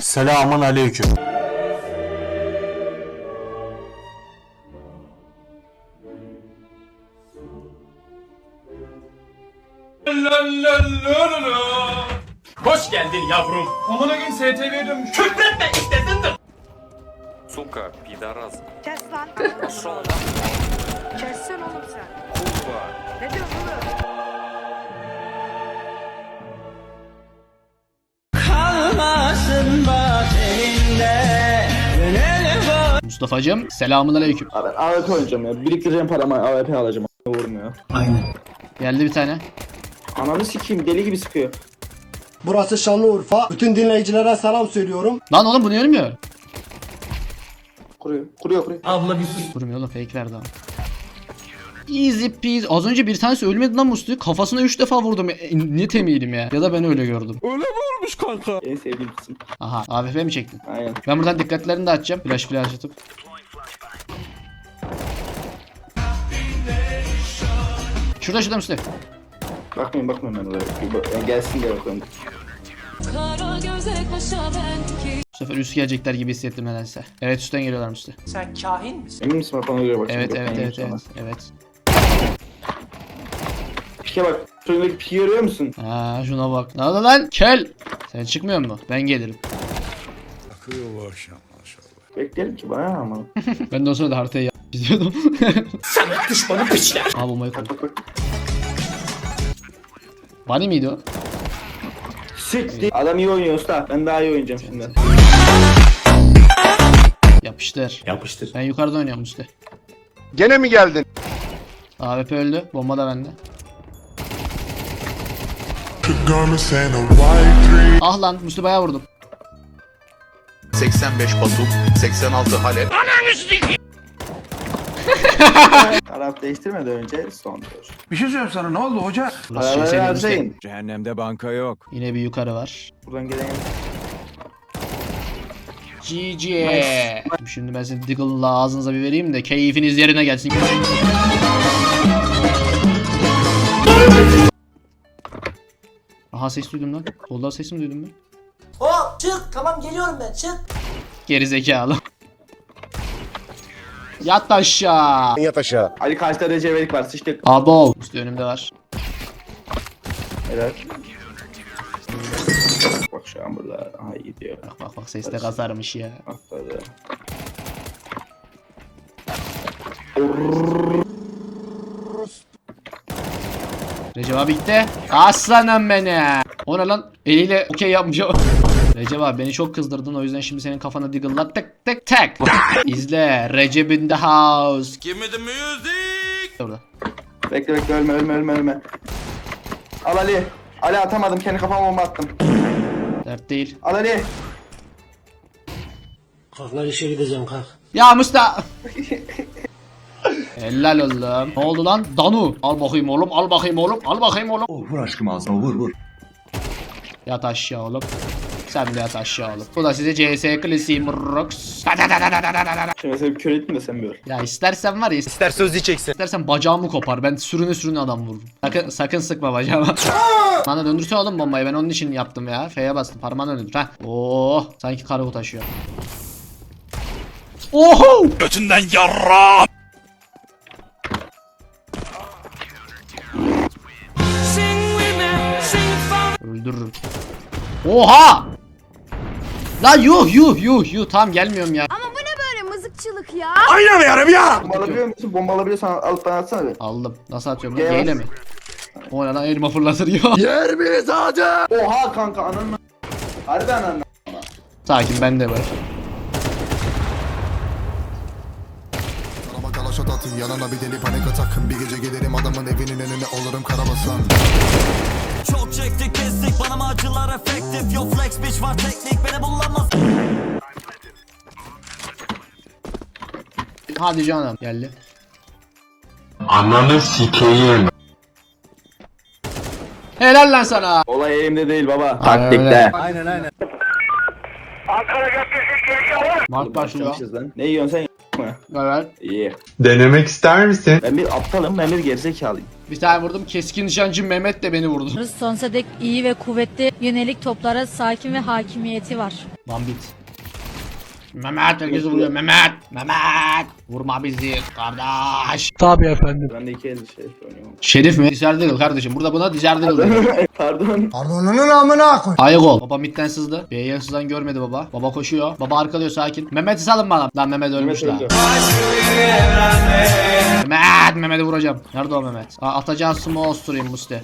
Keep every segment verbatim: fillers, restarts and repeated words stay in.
Selamun aleyküm. Hoş geldin yavrum. Amına gün S T V'ye dönmüş. Küfretme istedin de. Сука, пидорас. Kes lan. Пошел Kessin oğlum sen. нахуй. Ne diyorsun oğlum? Mustafa'cığım selamünaleyküm. Abi A W P oynayacağım ya. Biriktireceğim paramı A W P alacağım. Vurmuyor. Geldi bir tane. Ananı sikeyim deli gibi sıkıyor. Burası Şanlıurfa. Bütün dinleyicilere selam söylüyorum. Lan oğlum bu niye ölmüyor? Kuruyor. Kuruyor kuruyor. Vurmuyor oğlum, fake verdi ama. Easy peasy. Az önce bir tanesi ölmedi lan Musti. Kafasına üç defa vurdum. E, ne temiydim ya. Ya da ben öyle gördüm. En sevdiğim kısım. Aha, A W P mi çektin? Aynen. Ben buradan dikkatlerini de açacağım. Flash flash atıp. Şurada şurada Musti. Bakmayın bakmayın ben oraya. Bir bak- yani gelsin diye bakıyorum. Kara göze kaşa belki. Bu sefer üst gelecekler gibi hissettim nedense. Evet, üstten geliyorlar Musti. Sen kahin misin? Emin misin bak ona göre bak. Evet şimdi, evet bakmayın evet sana. evet. Evet. Pike bak. Şuradaki piki görüyor musun? Ha, şuna bak. Ne oldu lan? Kel. Sen çıkmıyor mu? Ben gelirim. Beklerim ki bana ama. Ben de o sırada haritayı yap- çiziyordum. Sana düşmanı piçler. Al bombayı koy. Bak bak. Bunny miydi o? Siktir. Adam iyi oynuyor usta. Ben daha iyi oynayacağım şimdi. Yapıştır. Yapıştır. Ben yukarıda oynuyorum Musti. Gene mi geldin? A W P öldü. Bomba da bende. Ah lan Musti bayağı vurdum. seksen beş Batum, seksen altı Halep. Taraf değiştirmeden önce son tur. Bir şey söyleyeyim sana, ne oldu hoca? Burası Paraları şey Musti. harcayın. Cehennemde banka yok. Yine bir yukarı var. Buradan gelen G G. Şimdi ben seni Diggle'la ağzınıza bir vereyim de keyfiniz yerine gelsin. Aha, ses duydum lan. Soldan ses mi duydum ben? Hop çık, tamam geliyorum ben, çık. Geri zekalı. Yat aşağı. Yat aşağı. Ali karşıda Recep var. Sıçtık. Abo. Üstü önümde var. Evet. Bak şu an burada. Aha gidiyor. Bak bak bak, ses de kazarmış ya. Atladı. Recep abi gitti. Aslanım beni. O ne lan? Eliyle okey yapmış o. Recep abi beni çok kızdırdın, o yüzden şimdi senin kafana diggle'la tek tek tek. İzle. Recep in the house. Give me the music. Orada. Bekle bekle ölme ölme ölme ölme. Al Ali. Ali atamadım, kendi kafama bomba attım. Dert değil. Al Ali. Kalk lan işe gideceğim kalk. Ya Musta. Helal oğlum. Ne oldu lan? Danu. Al bakayım oğlum. Al bakayım oğlum. Al bakayım oğlum. Vur aşkım ağzına, vur vur. Yat aşağı oğlum. Sen de yat aşağı oğlum. Bu da size C S klasiği Murrox. Şimdi mesela bir kör ettim de sen bir ör. Ya istersen var ya. İster söz diyeceksin. İstersen bacağımı kopar. Ben sürüne sürüne adam vururum. Sakın, sakın sıkma bacağıma. Bana döndürse oğlum bombayı. Ben onun için yaptım ya. F'ye bastım. Parmağını döndür. Ha. Oo, sanki kargo taşıyor. Oho! Götünden yarra. Öldürürüm. Oha! La yuh yuh yuh yuh. Tamam gelmiyorum ya. Ama bu ne böyle mızıkçılık ya? Oynamıyorum ya. Bomba alabiliyor musun? Bomba alabiliyorsan alıp bana atsana bir. Aldım. Nasıl atıyorum Gel. lan? G ile mi? O ne lan, elma fırlatır ya. Yer miyiz hadi? Oha kanka ananı. Harbi ananı. Sakin, ben de var. Araba kalaşat atın yanına bir deli panik atakın. Bir gece gelirim adamın evinin önüne olurum karabasan. Çok çektik kestik, bana mı acılar efektif. Yo flex bitch var teknik, beni bulamaz. Hadi canım. Geldi. Ananı sikeyim. Helal lan sana. Olay elimde değil baba. Aynen Taktikte. öyle. Aynen aynen. Mark başlıyor. Başlamışız lan. Ne yiyorsun sen? mı? Evet. İyi. Denemek ister misin? Ben bir aptalım, ben bir gerizekalıyım. Bir tane vurdum. Keskin nişancı Mehmet de beni vurdu. Sonsuza dek iyi ve kuvvetli yönelik toplara sakin ve hakimiyeti var. Bambit. Mehmet herkesi vuruyor. Mehmet. Mehmet. Vurma bizi kardeş. Ben de iki elde şey oynuyorum. Şerif mi? Dizer Diggle kardeşim. Burada buna Dizer Diggle dedi. Pardon. Pardonunun amına koy. Ayık ol. Baba midden sızdı. B'ye sızan görmedi baba. Baba koşuyor. Baba arkalıyor sakin. Mehmet'i salın bana. Lan Mehmet ölmüş Mehmet lan. öldü. Mehmet. Mehmet'i vuracağım. Nerede o Mehmet? Aa, atacağın smoke osturayım Musti.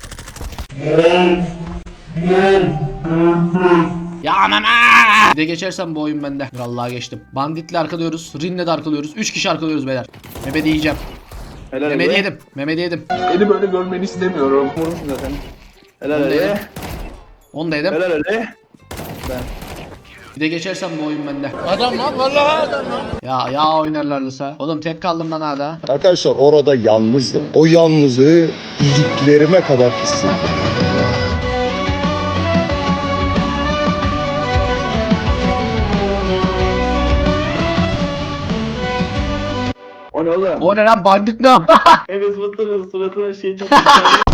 Ya Mehmet. Bir de geçersem bu oyun bende. Vallahi geçtim. Bandit'le arkalıyoruz. Rin'le de arkalıyoruz. üç kişi arkalıyoruz beyler. Mehmet'i yiyeceğim. Helal Mehmet'i Ali. yedim. Mehmet'i yedim. Beni böyle görmeni istemiyorum. Vurmuşsun zaten. Helal Onu da yedim. Ali. Onu da yedim. Helal Ali. Bir de geçersem bu oyun bende. Adam lan vallahi adam lan. Ya ya oynarlarsa. Oğlum tek kaldım lan hala. Arkadaşlar orada yalnızdım. O yalnızlığı iliklerime kadar hissettim. O ne oğlum? O ne lan bandit ne? Evet, suratına suratına şey çok